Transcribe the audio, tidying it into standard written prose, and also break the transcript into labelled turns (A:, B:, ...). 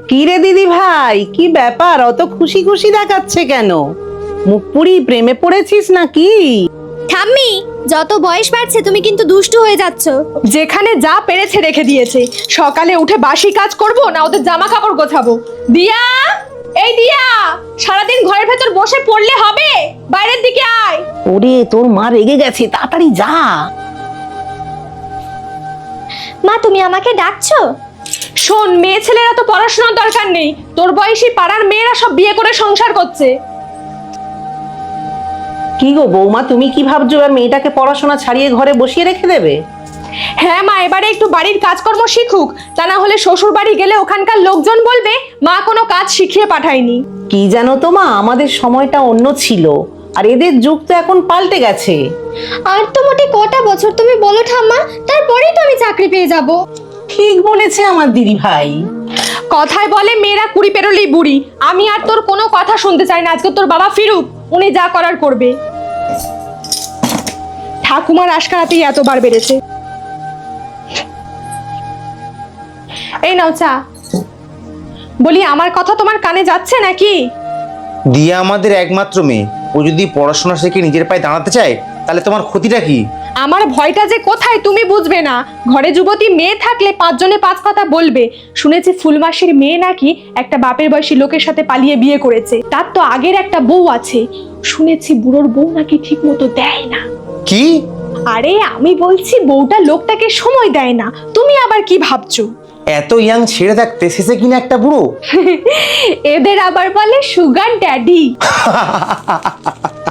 A: কি রে দিদি ভাই, কি ব্যাপার? অত খুশি খুশি দেখাচ্ছে কেন? মুখ পুরি প্রেমে পড়েছিস নাকি?
B: ঠাম্মি, যত বয়স বাড়ছে তুমি কিন্তু দুষ্টু হয়ে যাচ্ছ।
C: যেখানে যা পেরেছে রেখে দিয়েছে। সকালে উঠে বাসি কাজ করব না ওদের জামা কাপড় গোছাবো। দিয়া, এই দিয়া, সারাদিন ঘরের ভেতর বসে পড়লে হবে? বাইরের দিকে আয়।
A: ওরে, তোর মা রেগে গেছে, তাড়াতাড়ি যা।
B: মা, তুমি আমাকে ডাকছো?
C: শোন, মেয়ে ছেলেরা তো পড়াশোনার দরকার নেই, তোর বয়সী পাড়ার মেয়েরা সব বিয়ে করে সংসার করছে।
A: কি গো বৌমা, তুমি কি ভাবছো আর মেয়েটাকে পড়াশোনা ছাড়িয়ে ঘরে বসিয়ে রেখে দেবে?
C: হ্যাঁ মা, এবারে একটু বাড়ির কাজকর্ম শিখুক, তা না হলে শ্বশুর বাড়ি গেলে ওখানকার লোকজন বলবে মা কোনো কাজ শিখিয়ে পাঠায়নি।
A: কি জানো তো মা, আমাদের সময়টা অন্য ছিল, আর এদের যুগ তো এখন পাল্টে গেছে।
B: আর তো মোটে কটা বছর তুমি বলো ঠাম্মা, তারপরেই তো আমি চাকরি পেয়ে যাব।
A: ঠিক বলেছে আমার দিদি ভাই।
C: কথায় বলে মেয়েরা কুড়ি পেরোলেই বুড়ি। আমি আর তোর কোনো কথা শুনতে চাই না, আজকে তোর বাবা ফিরুক, উনি যা করার করবে। ঠাকুমার আশকারাতেই এতবার বেড়েছে। এই নাও চা। বলি, আমার কথা তোমার কানে যাচ্ছে নাকি?
D: দিয়া আমাদের একমাত্র মেয়ে, ও যদি পড়াশোনা শিখে নিজের পায়ে দাঁড়াতে চায় তাহলে তোমার ক্ষতিটা কি?
C: আমার ভয়টা যে কোথায় তুমি বুঝবে না। ঘরে যুবতী মেয়ে থাকলে পাঁচজনে পাঁচ কথা বলবে। শুনেছি ফুলমাসির মেয়ে নাকি একটা বাপের বয়সী লোকের সাথে পালিয়ে বিয়ে করেছে, তার তো আগের একটা বউ আছে। শুনেছি বুড়োর বউ নাকি ঠিক মতো দেয় না।
D: কি?
C: আরে আমি বলছি বউটা লোকটাকে সময় দেয় না, তুমি আবার কি ভাবছো?
D: এত ইয়াং ছেড়ে থাকতে শেষে কিনা একটা বুড়ো?
C: এদের আবার বলে সুগার ড্যাডি।